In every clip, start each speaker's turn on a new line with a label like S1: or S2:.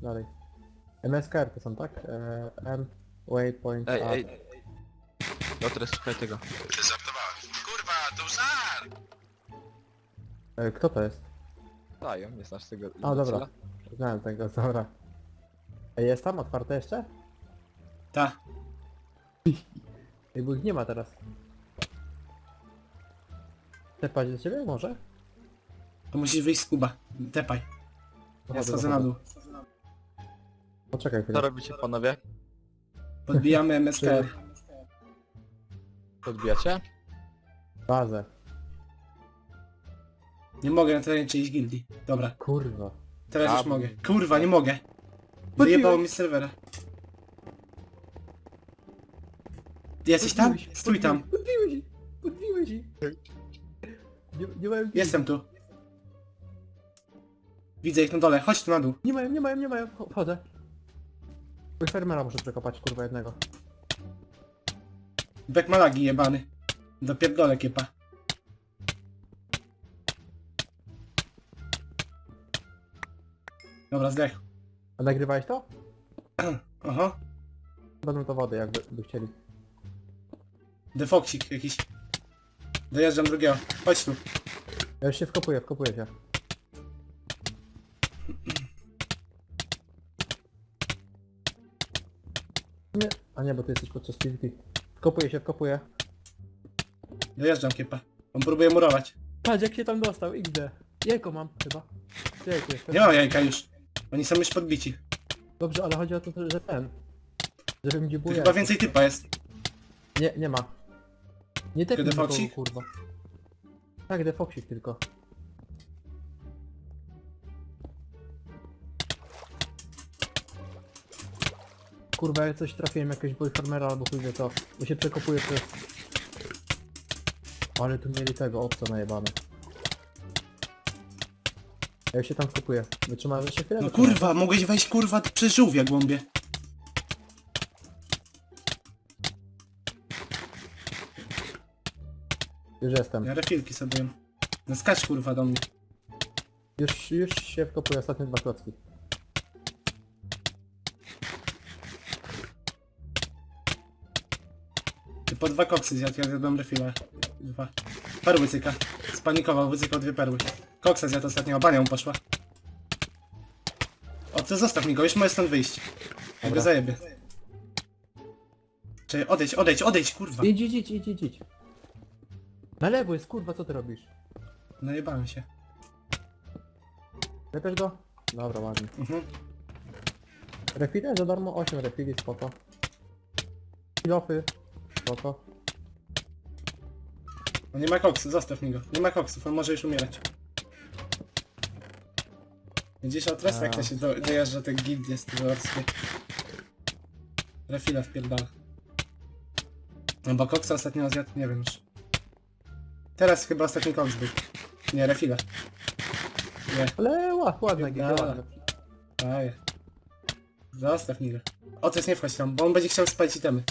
S1: dalej. MSKR to są, tak? M, waypoint,
S2: Ej,
S1: A.
S2: ej. Dobra, słuchaj tego.
S3: Ty żartowałem. Kurwa, to żart!
S1: Kto to jest?
S2: Dają, nie znasz tego.
S1: A, dobra.
S2: imbecila?
S1: Znałem tego, dobra. Ej, jest tam otwarte jeszcze?
S4: Ta.
S1: Ej, bo ich nie ma teraz. Tepać do ciebie może?
S4: To musisz wyjść z kuba. Tepaj. Ja
S1: Dochodzę,
S4: schodzę na dół.
S1: Poczekaj
S2: Co
S1: chwilę.
S2: robicie panowie?
S4: Podbijamy MSKR.
S2: Podbijacie?
S1: Bazę.
S4: Nie mogę na terenie czyjejś gildii. Dobra,
S1: Kurwa.
S4: teraz już
S2: A,
S4: mogę. Kurwa, nie mogę.
S1: Podbiłem.
S4: Wyjebało mi z serwera. Jesteś tam? Stój tam.
S1: Podbiłeś ich! Podbiłeś ich! Nie mają...
S4: Jestem tu. Widzę ich na dole. Chodź tu na dół.
S1: Nie mają. Wchodzę. Mój fermera muszę przekopać, kurwa, jednego.
S4: Bek malagi jebany. Dopierdolę kiepa. Dobra, zdech.
S1: A nagrywałeś to?
S4: Oho.
S1: Będą to wody, jakby chcieli.
S4: Defoksik jakiś. Dojeżdżam drugiego. Chodź tu.
S1: Ja już się wkopuję się. Nie. A nie, bo ty jesteś podczas PvP. Wkopuję.
S4: Dojeżdżam kiepa. On próbuje murować.
S1: Patrz jak się tam dostał, XD. Jajko mam chyba. Jajko jest.
S4: Nie mam jajka już. Oni są już podbici.
S1: Dobrze, ale chodzi o to, że ten. Żebym gdzie
S4: Tu
S1: było
S4: chyba
S1: jajko.
S4: więcej typa jest.
S1: Nie ma. Nie tepnij nikogo,
S4: defoksik?
S1: kurwa. Tak, defoksik tylko. Kurwa, ja coś trafiłem, jakiegoś boyfarmera albo chuj wie co. Bo się przekopuje przez... Ale tu mieli tego obca najebane. Ja już się tam wkopuję. Wytrzymasz jeszcze chwilę?
S4: No
S1: Wytrzymasz?
S4: kurwa, mogłeś wejść kurwa przez żółwia głąbie.
S1: Już jestem.
S4: Ja refilki sobie jem. No skacz kurwa do mnie.
S1: Już się wkopuję, ostatnie 2 klocki.
S4: Ty po 2 koksy zjadł, ja zjadłem refila. 2. Perły cyka. Spanikował, wycykał 2 perły. Koksa zjadł ostatnio, bania mu poszła. O, to zostaw mi go, już możesz stąd wyjść. Ja go
S1: Dobra.
S4: zajebie. Czekaj, odejdź, kurwa.
S1: Idź. Na lewo jest, kurwa, co ty robisz?
S4: Najebałem się.
S1: Lepiesz go? Dobra, ładnie.
S4: Mhm.
S1: Refile za darmo, 8 refili, spoko. Kilofy, spoko.
S4: No nie ma koksu, zostaw mi go. Nie ma koksów, on może już umierać. Widzisz otres, jak to się dojeżdża te gildie stylorskie. Refila wpierdala. No bo koksa ostatnio zjadł, nie wiem już. Teraz chyba ostatni koks był. Nie, refila. Nie,
S1: Ale ładna giga,
S4: Dobra.
S1: ładna.
S4: daję. Zostaw mi go. Otres nie wchodź tam, bo on będzie chciał spalić itemy.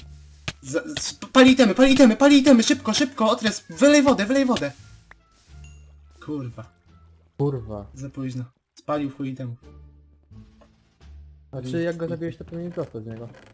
S4: Pali itemy, szybko, otres, wylej wodę. Kurwa,
S1: Kurwa.
S4: za późno. Spalił chuj itemów.
S1: Znaczy jak go zabiłeś to powinien dostać z niego.